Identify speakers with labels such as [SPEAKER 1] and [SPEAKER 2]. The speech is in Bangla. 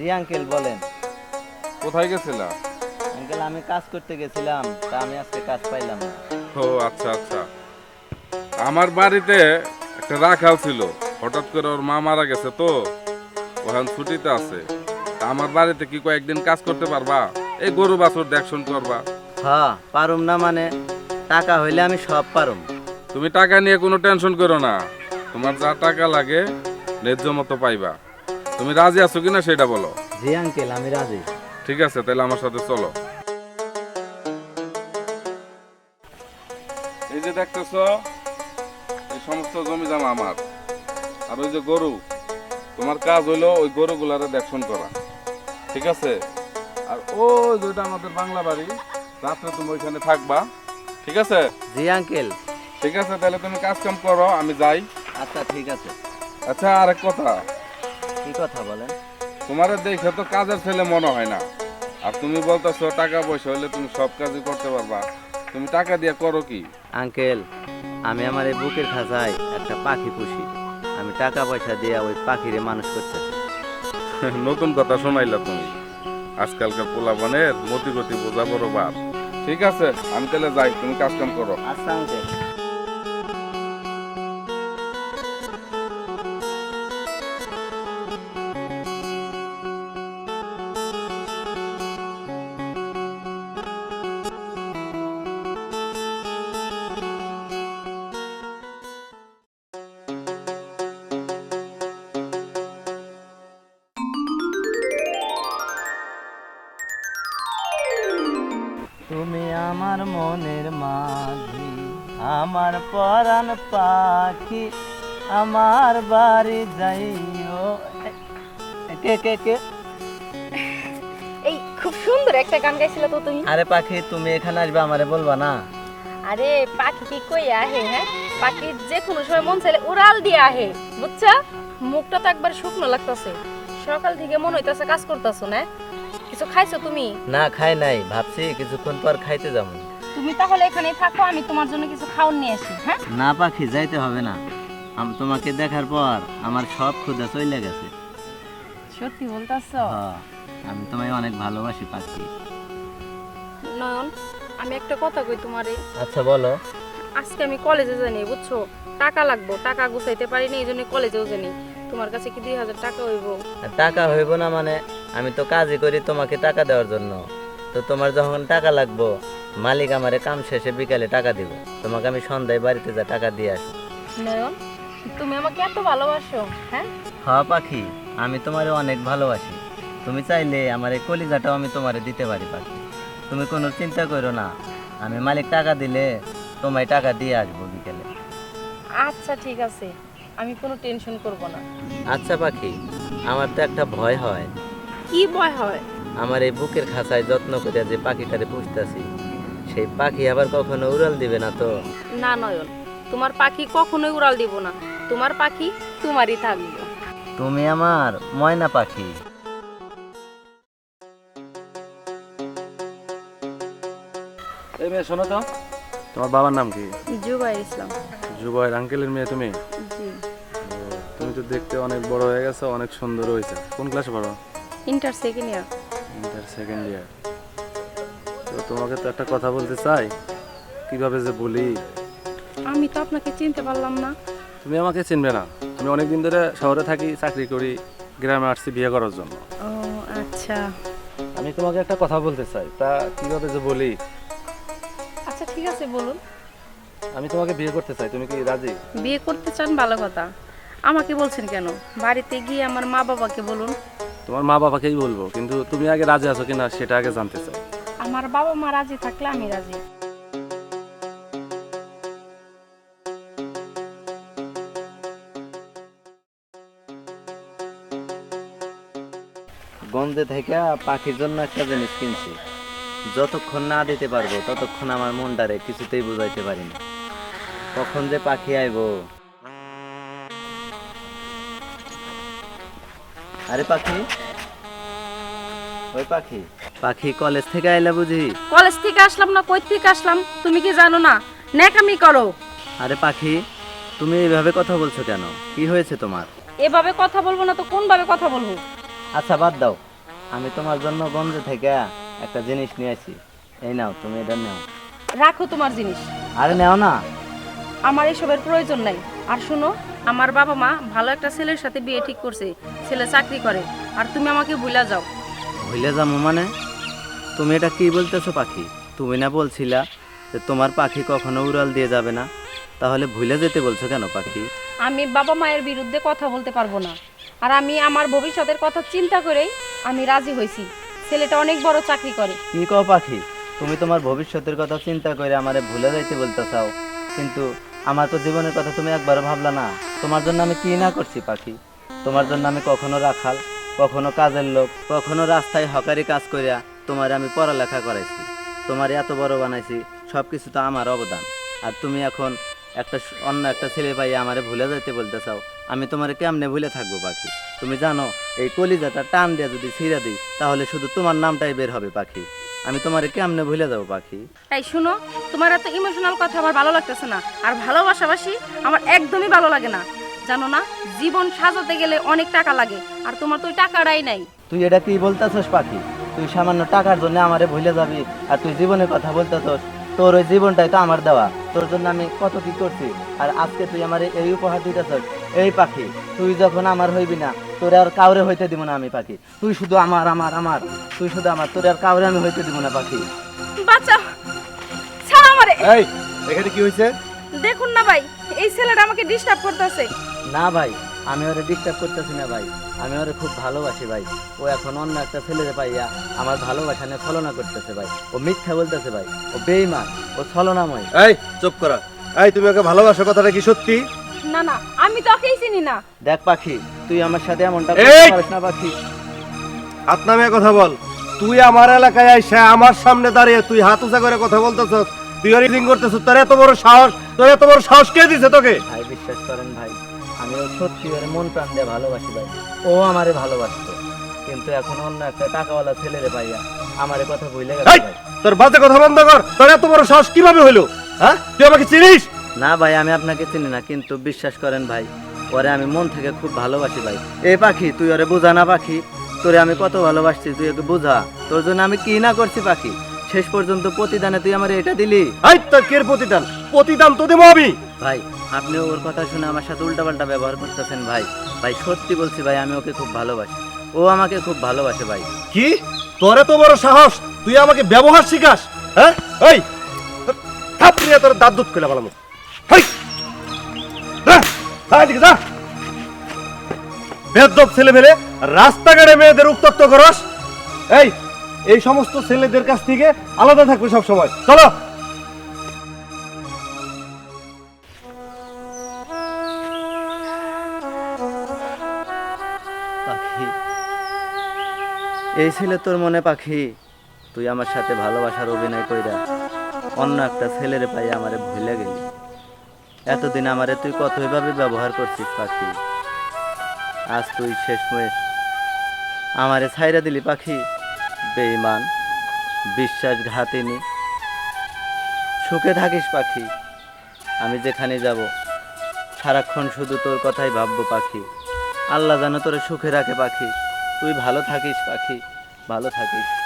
[SPEAKER 1] জি আঙ্কেল বলেন।
[SPEAKER 2] কোথায় গেছিলা?
[SPEAKER 1] আঙ্কেল আমি কাজ করতে গেছিলাম, তা আমি আজকে কাজ পাইলাম না।
[SPEAKER 2] ও আচ্ছা আচ্ছা। আমার বাড়িতে একটা রাখাল ছিল, হঠাৎ করে ওর মা মারা গেছে তো, ওখান ছুটিতে আছে। তা আমার বাড়িতে কি কয়েকদিন কাজ করতে পারবা? এই গরু বাছুর দেখশন করবা।
[SPEAKER 1] হ্যাঁ পারুম না মানে, টাকা হইলে আমি সব পারুম।
[SPEAKER 2] তুমি টাকা নিয়ে কোনো টেনশন করো না, তোমার যা টাকা লাগে ন্যায্য মতো পাইবা। তুমি রাজি আছো কিনা সেটা বলো।
[SPEAKER 1] জি আঙ্কেল আমি রাজি।
[SPEAKER 2] ঠিক আছে, তাহলে আমার সাথে চলো। এই যে দেখতেছো, এই সমস্ত জমি জমা আমার। আর ওই যে গরু, তোমার কাজ হইলো ওই গরুগুলারে দেখশন করা, ঠিক আছে? আর ওই যেটা আমাদের বাংলা বাড়ি, রাত্রে তুমি ওইখানে থাকবা, ঠিক আছে?
[SPEAKER 1] জি আঙ্কেল।
[SPEAKER 2] ঠিক আছে, তাহলে তুমি কাজ কাম করো, আমি যাই।
[SPEAKER 1] আচ্ছা ঠিক আছে।
[SPEAKER 2] আচ্ছা, আরেক কথা,
[SPEAKER 1] কি কথা বলেন?
[SPEAKER 2] তোমার দেখে তো কাজের ছেলে মনে হয় না। আর তুমি বলতেছো টাকা পয়সা হলে তুমি সব কাজই করতে পারবা, তুমি টাকা দিয়ে করো কি?
[SPEAKER 1] আঙ্কেল আমি আমার এই বুকের খাঁচায় একটা পাখি পুষি, আমি টাকা পয়সা দিয়ে ওই পাখিরে মানুষ করতেছি।
[SPEAKER 2] নতুন কথা শোনাইলা তুমি। আজকালকার পোলাপানের মতিগতি বোঝা বড় বার। ঠিক আছে, আমি তাহলে যাই, তুমি কাজ কাম করো।
[SPEAKER 1] আচ্ছা আঙ্কেল। তুমি আমার মনের মাঝি, আমার পরাণ পাখি, আমার বাড়ি যাইও। কে কে কে?
[SPEAKER 3] এই খুব সুন্দর একটা গান গাইছিল তো তুমি।
[SPEAKER 1] আরে পাখি তুমি এখানে আসবে আমারে বলবা না?
[SPEAKER 3] আরে পাখি কি কই আহে? হ্যাঁ, পাখি যে কোনো সময় মন চাইলে উড়াল দিয়ে আহে, বুঝছা? মুখটা তো একবার শুকনো লাগতাছে, সকাল থেকে মনে হইতাছে কাজ করতেছো না। কিছু খাইছো তুমি?
[SPEAKER 1] না খাই নাই, ভাবছি কিছুক্ষণ পর খাইতে যাবো।
[SPEAKER 3] তুমি তাহলে এখানেই থাকো, আমি তোমার জন্য কিছু খাওয়ার নিয়ে আসি। হ্যাঁ
[SPEAKER 1] না পাখি যাইতে হবে না, তোমাকে দেখার পর আমার সব ক্ষুধা চলে গেছে।
[SPEAKER 3] সত্যি বলতাছো?
[SPEAKER 1] হ্যাঁ, আমি তোমায় অনেক ভালোবাসি পাখি।
[SPEAKER 3] নয়ন, আমি একটা কথা কই তোমারে।
[SPEAKER 1] আচ্ছা বলো।
[SPEAKER 3] আজকে আমি কলেজে যাইনি, বুঝছো? টাকা লাগবো, টাকা গুছাইতে পারিনি, এই জন্য কলেজেও যাইনি। তোমার কাছে কি 2000 টাকা হইব?
[SPEAKER 1] টাকা হইব না মানে, আমি তো কাজই করি তোমাকে টাকা দেওয়ার জন্য। তো তোমার যখন টাকা লাগবো, মালিক আমারে কাম শেষে বিকালে টাকা দিব, তোমাকে আমি সন্ধ্যায় বাড়িতে যা টাকা দিয়ে আসি।
[SPEAKER 3] নয়ন, তুমি আমাকে এত ভালোবাসো? হ্যাঁ
[SPEAKER 1] হ্যাঁ পাখি, আমি তোমারে অনেক ভালোবাসি। তুমি চাইলে আমার এই কলিজাটাও আমি তোমারে দিতে পারি পাখি। তুমি কোনো চিন্তা করো না, আমি মালিক টাকা দিলে তোমায় টাকা দিয়ে আসবো বিকেলে।
[SPEAKER 3] আচ্ছা ঠিক আছে, আমি কোনো টেনশন করব না।
[SPEAKER 1] আচ্ছা পাখি, আমার তো একটা ভয় হয়।
[SPEAKER 3] কি ভয় হয়?
[SPEAKER 1] আমার এই বুকের খাঁচায় যত্ন করে যে পাখিটারে পুষতেছি, সেই পাখি আবার কখনো উড়াল দিবে না তো?
[SPEAKER 3] না নয়ন, তোমার পাখি কখনোই উড়াল দিব না, তোমার পাখি তোমারই থাকবে।
[SPEAKER 1] তুমি আমার ময়না পাখি।
[SPEAKER 4] এই মেয়ে শোনো তো, তোমার বাবার নাম কি?
[SPEAKER 3] জুবাইর ইসলাম।
[SPEAKER 4] জুবাইর আঙ্কেলের মেয়ে তুমি?
[SPEAKER 3] জি।
[SPEAKER 4] তুমি তো দেখতে অনেক বড় হয়ে গেছো, অনেক সুন্দর হয়েছে। কোন ক্লাসে পড়ো?
[SPEAKER 3] Inter second year.
[SPEAKER 4] Inter second year. তো তোমাকে তো একটা কথা বলতে চাই, কিভাবে যে বলি।
[SPEAKER 3] আমি তো আপনাকে চিনতে পারলাম না।
[SPEAKER 4] তুমি আমাকে চিনবে না, আমি অনেক দিন ধরে শহরে থাকি, চাকরি করি, গ্রামে আসছি বিয়ে করার জন্য।
[SPEAKER 3] ও আচ্ছা।
[SPEAKER 4] আমি তোমাকে একটা কথা বলতে চাই, তা কিভাবে যে বলি।
[SPEAKER 3] আচ্ছা ঠিক আছে বলুন।
[SPEAKER 4] আমি তোমাকে বিয়ে করতে চাই, তুমি কি রাজি?
[SPEAKER 3] বিয়ে করতে চান? ভালো কথা। আমাকে বলছেন কেন? বাড়িতে গিয়ে আমার মা বাবাকে বলুন।
[SPEAKER 4] তোমার মা বাবাকেই বলবো, কিন্তু তুমি আগে রাজি আছো কিনা সেটা আগে জানতে চাই।
[SPEAKER 3] আমার বাবা মা রাজি থাকলে আমি রাজি।
[SPEAKER 1] গন্ধে থেকে পাখির জন্য একটা জিনিস কিনছি, যতক্ষণ না দিতে পারবো ততক্ষণ আমার মনটারে কিছুতেই বুঝাইতে পারি না, কখন যে পাখি আইবো। আরে পাখি, ওই পাখি, পাখি কলেজ থেকে আইলা বুঝি?
[SPEAKER 3] কলেজ থেকে আসলাম না, কই থেকে আসলাম তুমি কি জানো না? ন্যাকামি করো।
[SPEAKER 1] আরে পাখি, তুমি এইভাবে কথা বলছো কেন? কি হয়েছে তোমার?
[SPEAKER 3] এভাবে কথা বলবো না তো কোন ভাবে কথা বলবো?
[SPEAKER 1] আচ্ছা বাদ দাও, আমি তোমার জন্য গঞ্জ থেকে একটা জিনিস নিয়ে আসি। এই নাও, তুমি এটা নাও।
[SPEAKER 3] রাখো তোমার জিনিস,
[SPEAKER 1] আরে নাও না।
[SPEAKER 3] আমার এসবের প্রয়োজন নাই। আর শুনো, আমার বাবা মা ভালো একটা ছেলের সাথে বিয়ে ঠিক করছে, ছেলে চাকরি করে, আর তুমি আমাকে ভুলা যাও।
[SPEAKER 1] ভুলে যাবো মানে? তুমি এটা কি বলতেছো পাখি? তুমি না বলছিলা যে তোমার পাখি কখনো উড়াল দিয়ে যাবে না? তাহলে ভুলে যেতে বলছো কেন পাখি?
[SPEAKER 3] আমি বাবা মায়ের বিরুদ্ধে কথা বলতে পারবো না, আর আমি আমার ভবিষ্যতের কথা চিন্তা করেই আমি রাজি হয়েছি। ছেলেটা অনেক বড় চাকরি করে।
[SPEAKER 1] কি কও পাখি? তুমি তোমার ভবিষ্যতের কথা চিন্তা করে আমারে ভুলে যাইতে বলতে চাও, কিন্তু আমার তো জীবনের কথা তুমি একবারও ভাবলা না। তোমার জন্য আমি কি না করছি পাখি? তোমার জন্য আমি কখনো রাখাল, কখনো কাজের লোক, কখনো রাস্তায় হকারি কাজ করিয়া তোমার আমি পড়ালেখা করাইছি, তোমার এত বড় বানাইছি, সব কিছু তো আমার অবদান। আর তুমি এখন অন্য একটা ছেলে পাইয়া আমারে ভুলে যাইতে বলতে চাও। আমি তোমারে কেমনে ভুলে থাকবো পাখি? তুমি জানো এই কলিজাটা টান দিয়ে যদি ছিঁড়ে দিই তাহলে শুধু তোমার নামটাই বের হবে পাখি। আমি তোমারে কেমনে ভুলে যাবো পাখি?
[SPEAKER 3] তাই শুনো, তোমার এত ইমোশনাল কথা আমার ভালো লাগতেছে না, আর ভালোবাসাবাসি আমার একদমই ভালো লাগে না। জানো না, জীবন সাজাতে গেলে অনেক টাকা লাগে, আর তোমার তো ওই টাকাটাই নাই।
[SPEAKER 1] তুই এটা কি বলতেছস পাখি? তুই সামান্য টাকার জন্য আমারে ভুলে যাবি, আর তুই জীবনের কথা বলতেছস? তোর ওই জীবনটাই তো আমার দেওয়া, তোর জন্য আমি কত কি করছি, আর আজকে তুই আমার এই উপহার দিতেছস। এই পাখি, তুই যখন আমার হইবি না, তোর আর কাউরে হইতে দিব না আমি পাখি। তুই শুধু আমার আমার আমার, তুই শুধু আমার, তোর আর কাউরে আমি হইতে দিব না পাখি।
[SPEAKER 3] বাঁচাও, ছাড় আমারে।
[SPEAKER 4] এই এখানে কি হয়েছে?
[SPEAKER 3] দেখুন না ভাই, এই ছেলেটা আমাকে ডিস্টার্ব করতেছে।
[SPEAKER 1] না ভাই, আমি ওরে ডিস্টার্ব করতেছি না ভাই, আমি ওরে খুব ভালোবাসি ভাই। ও এখন অন্য একটা ছেলেরে পাইয়া আমার ভালোবাসা নিয়ে ছলনা করতেছে ভাই। ও মিথ্যা বলতেছে ভাই, ও বেঈমান, ও ছলনাময়।
[SPEAKER 4] এই চুপ করা। এই তুমি ওকে ভালোবাসো, কথাটা কি সত্যি?
[SPEAKER 3] না না, আমি তো ওকেই চিনি না।
[SPEAKER 1] দেখ পাখি, তুই আমার সাথে এমনটা
[SPEAKER 4] এই!
[SPEAKER 1] করতে পারিস না পাখি।
[SPEAKER 4] হাত নামিয়ে কথা বল। তুই আমার এলাকায় আইসা আমার সামনে দাঁড়িয়ে তুই হাত উঁচা করে কথা বলতেছস, তুই রিডিং করতেছস। তোর এত বড় সাহস, তোর এত বড় সাহস কে দিছে তোকে?
[SPEAKER 1] ভাই বিশ্বাস করেন ভাই, আমি ও সত্যি ওর মন প্রাণ দিয়ে ভালোবাসি ভাই। ও আমারে ভালোবাসতো, কিন্তু এখন অন্য একটা টাকাওয়ালা ছেলেরে পাইয়া আমারে কথা ভুলে গেছে
[SPEAKER 4] এই!
[SPEAKER 1] ভাই।
[SPEAKER 4] তোর বাজে কথা বন্ধ কর। তোর এত বড় সাহস কিভাবে হইলো? হ্যাঁ, তুই আমাকে চিনিস?
[SPEAKER 1] না ভাই, আমি আপনাকে চিনি না, কিন্তু বিশ্বাস করেন ভাই, ওরে আমি মন থেকে খুব ভালোবাসি ভাই। এই পাখি, তুই ওরে বুঝা না পাখি, তোরে আমি কত ভালোবাসছি, তুই ওকে বুঝা। তোর জন্য আমি কি না করছি পাখি, শেষ পর্যন্ত প্রতিদানে তুই আমার এটা দিলি।
[SPEAKER 4] এই তোর কের প্রতিদান? প্রতিদান তো দেবো আমি।
[SPEAKER 1] ভাই, আপনি ওর কথা শুনে আমার সাথে উল্টাপাল্টা ব্যবহার করতেছেন ভাই। ভাই সত্যি বলছি ভাই, আমি ওকে খুব ভালোবাসি, ও আমাকে খুব ভালোবাসে ভাই।
[SPEAKER 4] কি? তোর এত বড় সাহস, তুই আমাকে ব্যবহার শিখাস? হ্যাঁ, এই থাপড়ি তোর দাঁত দুধ খুলে ভালো। বেদব ছেলে মেলে রাস্তাঘাটে মেয়েদের উত্তক্ত করস। এই সমস্ত ছেলেদের কাছ থেকে আলাদা থাকবে সব সময়। চলো।
[SPEAKER 1] পাখি, এই ছিল তোর মনে পাখি? তুই আমার সাথে ভালোবাসার অভিনয় কইরা অন্য একটা ছেলেরে পাই আমারে ভুলে গেলি। এতদিন আমারে তুই কতভাবে ব্যবহার করছিস পাখি, আজ তুই শেষমেশ আমারে ছাইরা দিলি পাখি। বেঈমান, বিশ্বাসঘাতিনী। সুখে থাকিস পাখি, আমি যেখানে যাব সারাক্ষণ শুধু তোর কথাই ভাববো পাখি। আল্লাহ যেন তোরে সুখে রাখে পাখি। তুই ভালো থাকিস পাখি, ভালো থাকিস।